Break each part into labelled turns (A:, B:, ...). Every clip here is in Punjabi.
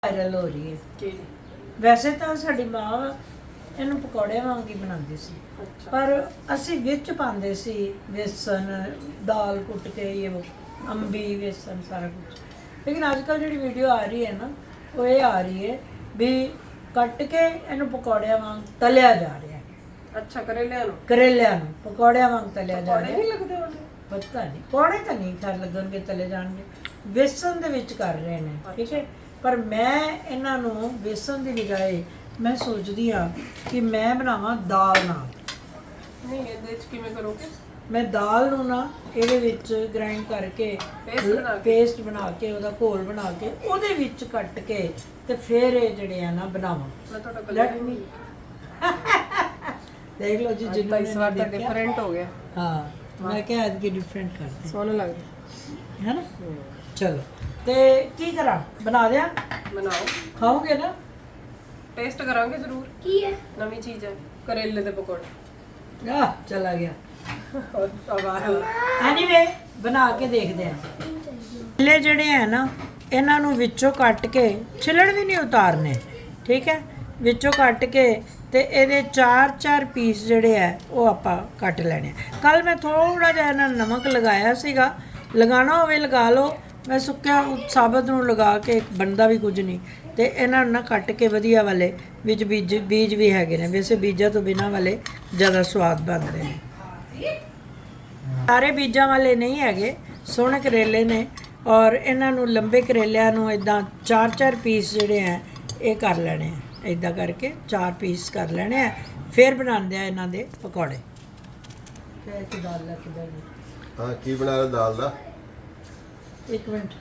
A: ਵਾਇਰਲ ਹੋ ਰਹੀ ਹੈ।
B: ਕੀ?
A: ਵੈਸੇ ਤਾਂ ਸਾਡੀ ਮਾਂ ਇਹਨੂੰ ਪਕੌੜਿਆਂ ਵਾਂਗ ਹੀ ਬਣਾਉਂਦੀ ਸੀ,
B: ਅੱਛਾ।
A: ਪਰ ਅਸੀਂ ਵਿੱਚ ਪਾਉਂਦੇ ਸੀ ਵੇਸਣ, ਦਾਲ ਕੁੱਟ ਕੇ, ਇਹ ਅੰਬੀ, ਵੇਸਣ, ਸਾਰਾ ਕੁਝ। ਲੇਕਿਨ ਅੱਜ ਕੱਲ੍ਹ ਜਿਹੜੀ ਵੀਡੀਓ ਆ ਰਹੀ ਹੈ ਨਾ, ਉਹ ਇਹ ਆ ਰਹੀ ਹੈ ਵੀ ਕੱਟ ਕੇ ਇਹਨੂੰ ਪਕੌੜਿਆਂ ਵਾਂਗ ਤਲਿਆ ਜਾ ਰਿਹਾ ਹੈ।
B: ਅੱਛਾ, ਕਰੇਲਿਆਂ ਨੂੰ
A: ਕਰੇਲਿਆਂ ਨੂੰ ਪਕੌੜਿਆਂ ਵਾਂਗ ਤਲਿਆ ਜਾ
B: ਪਕੌੜੇ
A: ਰਿਹਾ
B: ਨਹੀਂ
A: ਹੈ।
B: ਲੱਗਦੇ ਉਹਨੇ?
A: ਪਤਾ ਨਹੀਂ ਪਕੌੜੇ ਤਾਂ ਨਹੀਂ ਖੈਰ ਲੱਗਣਗੇ, ਤਲੇ ਜਾਣਗੇ। ਵੇਸਣ ਦੇ ਵਿੱਚ ਕਰ ਰਹੇ ਨੇ, ਠੀਕ ਹੈ। ਪਰ ਮੈਂ ਇਹਨਾਂ ਨੂੰ ਵੇਸਣ ਦੀ ਬਜਾਏ ਮੈਂ ਸੋਚਦੀ ਆ ਕਿ ਮੈਂ ਬਣਾਵਾਂ ਦਾਲ ਨਾਲ।
B: ਨਹੀਂ, ਇਹਦੇ ਵਿੱਚ ਕਿਵੇਂ ਕਰੋਗੇ?
A: ਮੈਂ ਦਾਲ ਨੂੰ ਨਾ ਇਹਦੇ ਵਿੱਚ ਗ੍ਰਾਈਂਡ ਕਰਕੇ ਪੇਸਟ ਬਣਾ ਕੇ ਉਹਦਾ ਘੋਲ ਬਣਾ ਕੇ ਉਹਦੇ ਵਿੱਚ ਕੱਟ ਕੇ ਤੇ ਫਿਰ ਇਹ ਜਿਹੜੇ ਆ ਨਾ ਬਣਾਵਾਂ।
B: ਮੈਂ ਤੁਹਾਡਾ
A: Let me- ਦੇਖ ਲਓ ਜੀ, ਜਿੰਨਾ
B: ਇਸ ਵਾਰ ਤਾਂ ਡਿਫਰੈਂਟ ਹੋ ਗਿਆ।
A: ਹਾਂ, ਮੈਂ ਕਿਹਾ ਅੱਜ ਕੀ ਡਿਫਰੈਂਟ ਕਰਦੇ
B: ਸੋਹਣਾ ਲੱਗਦਾ
A: ਹੈ ਨਾ। ਚਲੋ, ਤੇ ਕੀ ਕਰਾਂ, ਬਣਾ ਦਿਆਂ?
B: ਬਣਾਓ,
A: ਖਾਓਗੇ ਨਾ?
B: ਟੇਸਟ ਕਰਾਂਗੇ ਜ਼ਰੂਰ।
A: ਕੀ ਹੈ?
B: ਨਵੀਂ ਚੀਜ਼ ਹੈ, ਕਰੇਲੇ ਦੇ ਪਕੌੜੇ।
A: ਆ ਚਲਾ ਗਿਆ।
B: ਵਾਹ,
A: ਐਨੀਵੇ, ਬਣਾ ਕੇ ਦੇਖਦੇ ਆ। ਕਰੇਲੇ ਜਿਹੜੇ ਹੈ ਨਾ, ਇਹਨਾਂ ਨੂੰ ਵਿੱਚੋਂ ਕੱਟ ਕੇ, ਛਿਲੜ ਵੀ ਨਹੀਂ ਉਤਾਰਨੇ, ਠੀਕ ਹੈ। ਵਿੱਚੋਂ ਕੱਟ ਕੇ ਤੇ ਇਹਦੇ 4-4 ਪੀਸ ਜਿਹੜੇ ਹੈ ਉਹ ਆਪਾਂ ਕੱਟ ਲੈਣੇ। ਕੱਲ ਮੈਂ ਥੋੜਾ ਜਿਹਾ ਇਹਨਾਂ ਨੂੰ ਨਮਕ ਲਗਾਇਆ ਸੀਗਾ, ਲਗਾਉਣਾ ਹੋਵੇ ਲਗਾ ਲਓ। ਮੈਂ ਸੁੱਕਿਆ ਸਾਬਤ ਨੂੰ ਲਗਾ ਕੇ ਬਣਦਾ ਵੀ ਕੁਝ ਨਹੀਂ। ਤੇ ਇਹਨਾਂ ਨੂੰ ਨਾ ਕੱਟ ਕੇ ਵਧੀਆ ਵਾਲੇ ਵਿੱਚ ਬੀਜ ਵੀ ਹੈਗੇ ਨੇ, ਵੈਸੇ ਬੀਜਾਂ ਤੋਂ ਬਿਨਾਂ ਵਾਲੇ ਜ਼ਿਆਦਾ ਸਵਾਦ ਬਣਦੇ ਨੇ। ਸਾਰੇ ਬੀਜਾਂ ਵਾਲੇ ਨਹੀਂ ਹੈਗੇ, ਸੋਹਣੇ ਕਰੇਲੇ ਨੇ। ਔਰ ਇਹਨਾਂ ਨੂੰ ਲੰਬੇ ਕਰੇਲਿਆਂ ਨੂੰ ਇਦਾਂ 4-4 ਪੀਸ ਜਿਹੜੇ ਹੈ ਇਹ ਕਰ ਲੈਣੇ ਆ। ਇਦਾਂ ਕਰਕੇ 4 ਪੀਸ ਕਰ ਲੈਣੇ ਆ, ਫਿਰ ਬਣਾਉਂਦੇ ਆ ਇਹਨਾਂ ਦੇ ਪਕੌੜੇ। ਤੇ ਕੀ ਦਾਲ ਲੈ ਕੇ ਬੈਠੀ?
C: ਹਾਂ, ਕੀ ਬਣਾ ਰਹੇ ਦਾਲ ਦਾ?
A: ਇੱਕ ਮਿੰਟ।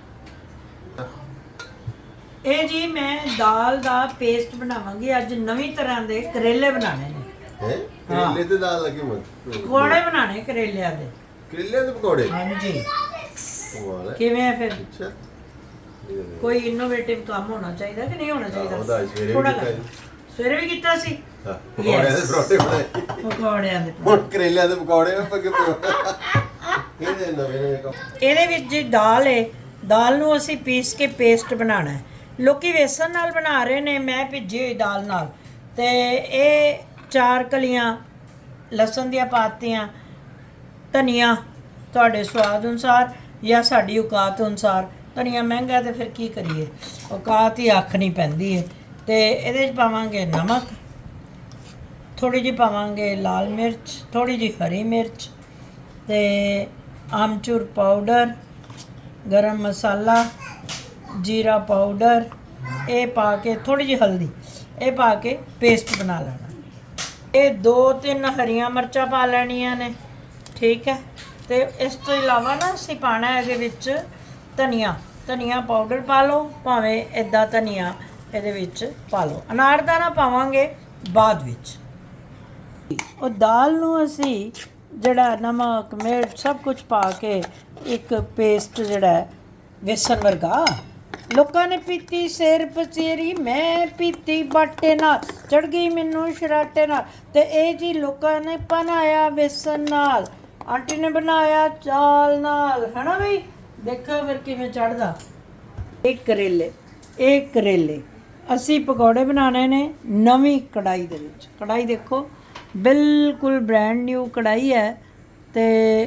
A: ਇਹ ਜੀ ਮੈਂ ਦਾਲ ਦਾ ਪੇਸਟ ਬਣਾਵਾਂਗੀ ਅੱਜ। ਨਵੀਂ ਤਰ੍ਹਾਂ ਦੇ ਕਰੇਲੇ ਬਣਾਣੇ ਨੇ।
C: ਹੈ ਕਰੇਲੇ ਤੇ ਦਾਲ ਲੱਗੀ ਮਤ
A: ਪਕੌੜੇ ਬਣਾਣੇ ਕਰੇਲਿਆਂ ਦੇ।
C: ਕਰੇਲੇ ਦੇ ਪਕੌੜੇ?
A: ਹਾਂਜੀ।
C: ਵਾਹ ਲੈ।
A: ਕਿਵੇਂ ਹੈ ਫਿਰ?
C: ਅੱਛਾ,
A: ਕੋਈ ਇਨੋਵੇਟਿਵ ਕੰਮ ਹੋਣਾ ਚਾਹੀਦਾ ਕਿ ਨਹੀਂ ਹੋਣਾ ਚਾਹੀਦਾ?
C: ਉਹਦਾ ਸਵੇਰੇ
A: ਥੋੜ੍ਹਾ
C: ਵੀ ਕੀਤਾ
A: ਕਰ। ਸਵੇਰੇ ਵੀ ਕੀਤਾ ਸੀ।
C: ਹਾਂ, ਪਕੌੜਿਆਂ ਦੇ ਪਰੌਂਠੇ ਬਣਾਏ।
A: ਪਕੌੜਿਆਂ ਦੇ।
C: ਹੁਣ ਕਰੇਲਿਆਂ ਦੇ ਪਕੌੜੇ ਪੱਕੇ ਇਹਦੇ ਨਵੇਂ ਕੰਮ।
A: ਇਹਦੇ ਵਿੱਚ ਜੀ ਦਾਲ ਹੈ, ਦਾਲ ਨੂੰ ਅਸੀਂ ਪੀਸ ਕੇ ਪੇਸਟ ਬਣਾਉਣਾ ਹੈ। ਲੋਕੀ ਵੇਸਣ ਨਾਲ ਬਣਾ ਰਹੇ ਨੇ, ਮੈਂ ਭਿੱਜੀ ਹੋਈ ਦਾਲ ਨਾਲ। ਤੇ ਇਹ 4 ਕਲੀਆਂ ਲਸਣ ਦੀਆਂ ਪਾਤੀਆਂ, ਧਨੀਆ ਤੁਹਾਡੇ ਸਵਾਦ ਅਨੁਸਾਰ ਜਾਂ ਸਾਡੀ ਔਕਾਤ ਅਨੁਸਾਰ। ਧਨੀਆ ਮਹਿੰਗਾ ਤੇ ਫਿਰ ਕੀ ਕਰੀਏ, ਔਕਾਤ ਹੀ ਆਖਣੀ ਪੈਂਦੀ ਹੈ। ਤੇ ਇਹਦੇ 'ਚ ਪਾਵਾਂਗੇ ਨਮਕ, ਥੋੜੀ ਜਿਹੀ ਪਾਵਾਂਗੇ ਲਾਲ ਮਿਰਚ, ਥੋੜੀ ਜਿਹੀ ਹਰੀ ਮਿਰਚ, ਤੇ ਆਮਚੂਰ ਪਾਊਡਰ, ਗਰਮ ਮਸਾਲਾ, ਜੀਰਾ ਪਾਊਡਰ, ਇਹ ਪਾ ਕੇ ਥੋੜੀ ਜਿਹੀ ਹਲਦੀ, ਇਹ ਪਾ ਕੇ ਪੇਸਟ ਬਣਾ ਲੈਣਾ। ਇਹ 2-3 ਹਰੀਆਂ ਮਿਰਚਾਂ ਪਾ ਲੈਣੀਆਂ ਨੇ, ਠੀਕ ਹੈ। ਤੇ ਇਸ ਤੋਂ ਇਲਾਵਾ ਨਾ ਅਸੀਂ ਪਾਣਾ ਇਹਦੇ ਵਿੱਚ ਧਨੀਆ ਪਾਊਡਰ ਪਾ ਲਓ, ਭਾਵੇਂ ਇੱਦਾਂ ਧਨੀਆ ਇਹਦੇ ਵਿੱਚ ਪਾ ਲਓ। ਅਨਾਰਦਾਨਾ ਪਾਵਾਂਗੇ ਬਾਅਦ ਵਿੱਚ। ਉਹ ਦਾਲ ਨੂੰ ਅਸੀਂ ਜਿਹੜਾ ਨਮਕ ਮਿਰਚ ਸਭ ਕੁਝ ਪਾ ਕੇ ਇੱਕ ਪੇਸਟ ਜਿਹੜਾ ਵੇਸਣ ਵਰਗਾ। ਲੋਕਾਂ ਨੇ ਪੀਤੀ ਸਿਰ ਪਸੀਰੀ, ਮੈਂ ਪੀਤੀ ਬਾਟੇ ਨਾਲ, ਚੜ ਗਈ ਮੈਨੂੰ ਸ਼ਰਾਟੇ ਨਾਲ। ਤੇ ਇਹ ਜੀ ਲੋਕਾਂ ਨੇ ਬਣਾਇਆ ਵੇਸਣ ਨਾਲ, ਆਂਟੀ ਨੇ ਬਣਾਇਆ ਚਾਲ ਨਾਲ, ਹੈ ਨਾ ਬਈ? ਦੇਖੋ ਫਿਰ ਕਿਵੇਂ ਚੜਦਾ। ਇਹ ਕਰੇਲੇ ਅਸੀਂ ਪਕੌੜੇ ਬਣਾਉਣੇ ਨੇ ਨਵੀਂ ਕੜਾਈ ਦੇ ਵਿੱਚ। ਕੜਾਈ ਦੇਖੋ, ਬਿਲਕੁਲ ਬ੍ਰੈਂਡ ਨਿਊ ਕੜਾਈ ਹੈ। ਤੇ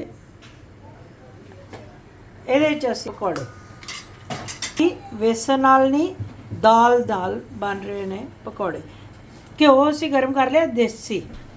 A: ਇਹਦੇ ਵਿੱਚ ਅਸੀਂ ਪਕੌੜੇ ਵੇਸਣ ਨਾਲ ਨਹੀਂ, ਦਾਲ ਬਣ ਰਹੇ ਨੇ ਪਕੌੜੇ। ਘਿਓ ਅਸੀਂ ਗਰਮ ਕਰ ਲਿਆ ਦੇਸੀ।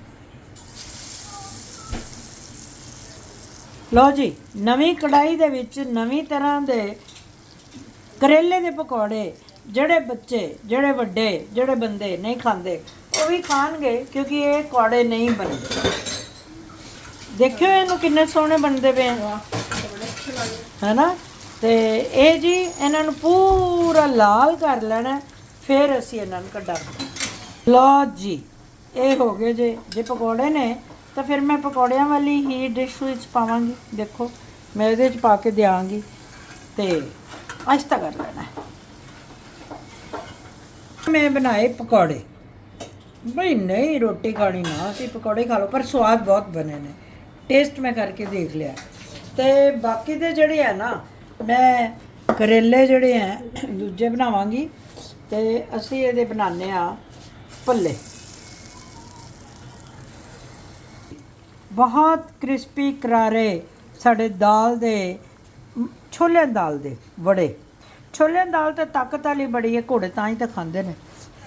A: ਲਓ ਜੀ, ਨਵੀਂ ਕੜਾਈ ਦੇ ਵਿੱਚ ਨਵੀਂ ਤਰ੍ਹਾਂ ਦੇ ਕਰੇਲੇ ਦੇ ਪਕੌੜੇ। ਜਿਹੜੇ ਬੱਚੇ, ਜਿਹੜੇ ਵੱਡੇ, ਜਿਹੜੇ ਬੰਦੇ ਨਹੀਂ ਖਾਂਦੇ ਉਹ ਵੀ ਖਾਣਗੇ, ਕਿਉਂਕਿ ਇਹ ਪਕੌੜੇ ਨਹੀਂ ਬਣਦੇ। ਦੇਖਿਓ ਇਹਨੂੰ ਕਿੰਨੇ ਸੋਹਣੇ ਬਣਦੇ ਪਏ ਹੈ ਨਾ। ਤੇ ਇਹ ਜੀ ਇਹਨਾਂ ਨੂੰ ਪੂਰਾ ਲਾਲ ਕਰ ਲੈਣਾ, ਫਿਰ ਅਸੀਂ ਇਹਨਾਂ ਨੂੰ ਕੱਢਾਂਗੇ। ਲਓ ਜੀ, ਇਹ ਹੋ ਗਏ ਜੇ ਪਕੌੜੇ ਨੇ ਤਾਂ ਫਿਰ ਮੈਂ ਪਕੌੜਿਆਂ ਵਾਲੀ ਹੀ ਡਿਸ਼ ਵਿੱਚ ਪਾਵਾਂਗੀ। ਦੇਖੋ, ਮੈਂ ਇਹਦੇ 'ਚ ਪਾ ਕੇ ਦਿਆਂਗੀ ਤੇ ਆਹਿਸਤਾ ਕਰ ਲੈਣਾ। ਮੈਂ ਬਣਾਏ ਪਕੌੜੇ। ਬਈ ਨਹੀਂ ਰੋਟੀ ਖਾਣੀ ਨਾ, ਅਸੀਂ ਪਕੌੜੇ ਖਾ ਲਓ, ਪਰ ਸਵਾਦ ਬਹੁਤ ਬਣੇ ਨੇ। ਟੇਸਟ ਮੈਂ ਕਰਕੇ ਦੇਖ ਲਿਆ। ਤੇ ਬਾਕੀ ਦੇ ਜਿਹੜੇ ਹੈ ਨਾ, ਮੈਂ ਕਰੇਲੇ ਜਿਹੜੇ ਹੈ ਦੂਜੇ ਬਣਾਵਾਂਗੀ। ਤੇ ਅਸੀਂ ਇਹਦੇ ਬਣਾਉਂਦੇ ਆ ਭੱਲੇ। ਬਹੁਤ ਕ੍ਰਿਸਪੀ ਕਰਾਰੇ ਸਾਡੇ ਦਾਲ ਦੇ ਛੋਲਿਆਂ ਦੀ ਦਾਲ ਦੇ ਵੜੇ। ਛੋਲਿਆਂ ਦੀ ਦਾਲ ਤਾਂ ਤਾਕਤ ਵਾਲੀ ਬੜੀ ਹੈ, ਘੋੜੇ ਤਾਂ ਹੀ ਤਾਂ ਖਾਂਦੇ ਨੇ।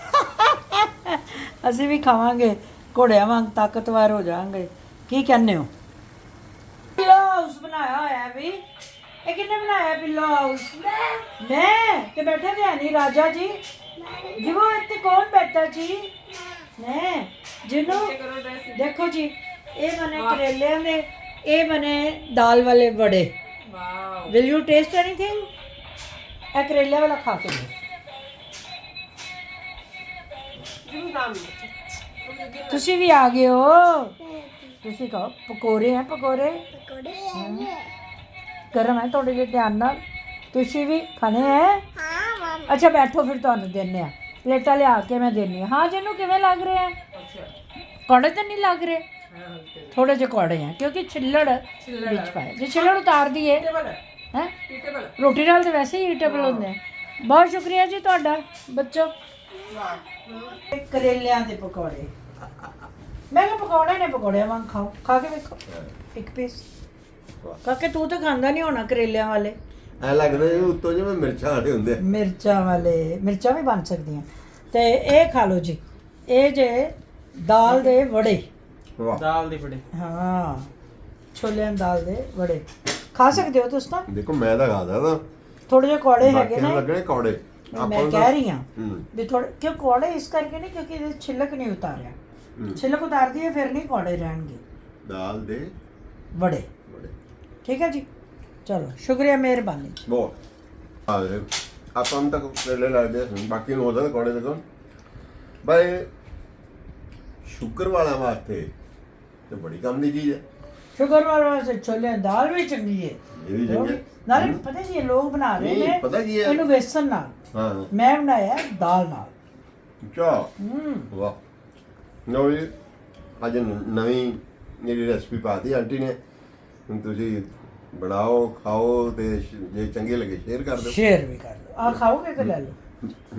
A: ਅਸੀਂ ਵੀ ਖਾਵਾਂਗੇ, ਘੋੜਿਆਂ ਵਾਂਗ ਤਾਕਤਵਰ ਹੋ ਜਾਵਾਂਗੇ। ਕੀ ਕਹਿੰਦੇ ਹੋ? ਪਿੱਲੋ ਹਾਊਸ ਬਣਾਇਆ ਹੋਇਆ ਵੀ। ਇਹ ਕਿਹਨੇ ਬਣਾਇਆ ਪਿੱਲੋ ਹਾਊਸ? ਮੈਂ ਤੇ ਬੈਠੇ ਤੇ ਨਹੀਂ ਰਾਜਾ ਜੀ। ਜਿਵੋ ਇੱਥੇ ਕੌਣ ਬੈਠਾ ਜੀ? ਮੈਂ ਜਿਹਨੂੰ
B: ਕਰੋ ਡਰੈਸ।
A: ਦੇਖੋ ਜੀ, ਇਹ ਬਣੇ ਕਰੇਲਿਆਂ ਦੇ, ਇਹ ਬਣੇ ਦਾਲ ਵਾਲੇ ਵੜੇ।
B: Wow
A: will you taste anything? ਇਹ ਕਰੇਲਿਆਂ ਵਾਲਾ ਖਾ ਕੇ ਦੇਖੋ।
B: ਜਿਵੇਂ ਨਾਮ
A: ਤੁਸੀਂ ਵੀ ਆ ਗਏ ਹੋ। ਤੁਸੀਂ ਕਹੋ ਪਕੌੜੇ ਹੈ, ਪਕੌੜੇ ਗਰਮ ਹੈ ਤੁਹਾਡੇ ਲਈ, ਧਿਆਨ ਨਾਲ। ਤੁਸੀਂ ਵੀ ਖਾਣੇ ਹੈ? ਅੱਛਾ ਬੈਠੋ, ਫਿਰ ਤੁਹਾਨੂੰ ਦਿੰਦੇ ਆ ਪਲੇਟਾਂ ਲਿਆ ਕੇ, ਮੈਂ ਦਿੰਦੀ ਹਾਂ। ਹਾਂ ਜਿਹਨੂੰ ਕਿਵੇਂ ਲੱਗ ਰਿਹਾ ਹੈ?
B: ਅੱਛਾ
A: ਕੌੜੇ ਤਾਂ ਨਹੀਂ ਲੱਗ ਰਹੇ?
B: ਹਾਂ
A: ਥੋੜੇ ਜਿਹੇ ਕੌੜੇ ਆ ਕਿਉਂਕਿ ਛਿੱਲੜ ਵਿੱਚ ਪਾਏ। ਜੇ ਛਿੱਲੜ ਉਤਾਰ ਦਈਏ
B: ਟੇਬਲ
A: ਹੈ,
B: ਟੇਬਲ
A: ਰੋਟੀ ਨਾਲ ਤਾਂ ਵੈਸੇ ਹੀ ਈਟੇਬਲ ਹੁੰਦੇ ਆ। ਬਹੁਤ ਸ਼ੁਕਰੀਆ ਜੀ ਤੁਹਾਡਾ ਬੱਚੋ।
B: ਵਾਹ
A: ਕਰੇਲਿਆਂ ਦੇ ਪਕੌੜੇ, ਮੈਂ ਕਿਹਾ ਪਕੌੜੇ ਨੇ, ਪਕੌੜਿਆਂ ਵਾਂਗ ਖਾਓ। ਖਾ ਕੇ ਵੇਖੋ ਇੱਕ ਪੀਸ। ਕਾਕੇ ਤੂੰ ਤਾਂ ਖਾਂਦਾ ਨਹੀਂ ਹੋਣਾ ਕਰੇਲਿਆਂ ਵਾਲੇ।
C: ਐ ਲੱਗਦਾ ਜਿਵੇਂ ਉੱਤੋਂ ਜਿਵੇਂ ਮਿਰਚਾਂ ਆੜੇ ਹੁੰਦੇ ਆ।
A: ਮਿਰਚਾਂ ਵਾਲੇ, ਮਿਰਚਾਂ ਵੀ ਬਣ ਸਕਦੀਆਂ। ਤੇ ਇਹ ਖਾ ਲਓ ਜੀ, ਇਹ ਜੇ ਦਾਲ ਦੇ ਵੜੇ।
C: ਵਾਹ,
D: ਦਾਲ ਦੇ ਬੜੇ।
A: ਹਾਂ, ਛੋਲਿਆਂ ਦੀ ਦਾਲ ਦੇ ਵੜੇ ਖਾ ਸਕਦੇ ਹੋ ਤੁਸੀਂ ਤਾਂ।
C: ਦੇਖੋ ਮੈਂ ਤਾਂ ਖਾਦਾ ਤਾਂ
A: ਥੋੜੇ ਜਿਹੇ ਕੌੜੇ ਹੈਗੇ
C: ਬਾਕੀਆਂ ਨੂੰ
A: ਨੇ।
C: ਲੱਗਣੇ ਕੌੜੇ।
A: ਮੈਂ ਕਹਿ ਰਹੀ ਹਾਂ
C: ਹੂੰ।
A: ਵੀ ਥੋੜੇ ਕਿਉਂ ਕੌੜੇ ਇਸ ਕਰਕੇ ਨਹੀਂ ਕਿਉਂਕਿ ਇਹਦੇ ਛਿਲਕ ਨਹੀਂ ਉਤਾਰਿਆ।
C: ਹੂੰ।
A: ਛਿਲਕ ਉਤਾਰਦੀ ਹੈ ਫਿਰ ਨਹੀਂ ਕੌੜੇ ਰਹਿਣਗੇ
C: ਦਾਲ ਦੇ
A: ਵੜੇ।
C: ਬੜੇ
A: ਠੀਕ ਹੈ ਜੀ, ਚਲੋ ਸ਼ੁਕਰੀਆ, ਮਿਹਰਬਾਨੀ।
C: ਬਹੁਤ ਆ ਗਏ। ਆਪਾਂ ਨੂੰ ਤਾਂ ਕਰੇਲੇ ਲੱਗਦੇ ਆ, ਬਾਕੀ ਨੂੰ ਉਹਦਾ ਕੌੜੇ ਦੇਖੋ ਬਾਈ। ਸ਼ੂਗਰ ਵਾਲਿਆਂ ਵਾਸਤੇ ਤੇ ਬੜੀ ਕੰਮ ਦੀ ਚੀਜ਼ ਹੈ।
A: ਸ਼ੂਗਰ ਵਾਲੇ ਛੋਲਿਆਂ ਦੀ ਦਾਲ ਵੀ ਚੰਗੀ ਹੈ।
C: ਇਹ ਵੀ ਚੰਗੀ ਹੈ।
A: ਨਾਲੇ ਪਤਾ ਕੀ ਹੈ, ਲੋਕ ਬਣਾ ਰਹੇ
C: ਨਹੀਂ,
A: ਨੇ
C: ਪਤਾ ਕੀ ਹੈ?
A: ਇਹਨੂੰ ਵੇਸਣ ਨਾਲ।
C: ਹਾਂ
A: ਮੈਂ ਬਣਾਇਆ ਦਾਲ ਨਾਲ।
C: ਚਾ ਵਾਹ। ਲਓ ਜੀ, ਅੱਜ ਨਵੀਂ ਜਿਹੜੀ ਰੈਸਪੀ ਪਾਤੀ ਆਂਟੀ ਨੇ। ਹੁਣ ਤੁਸੀਂ ਬਣਾਓ, ਖਾਓ ਤੇ ਜੇ ਚੰਗੇ ਲੱਗੇ ਸ਼ੇਅਰ ਕਰ ਦਿਓ।
A: ਸ਼ੇਅਰ ਵੀ ਕਰ ਲਓ। ਆ ਖਾਓਗੇ ਤੇ ਲੈ ਲਓ।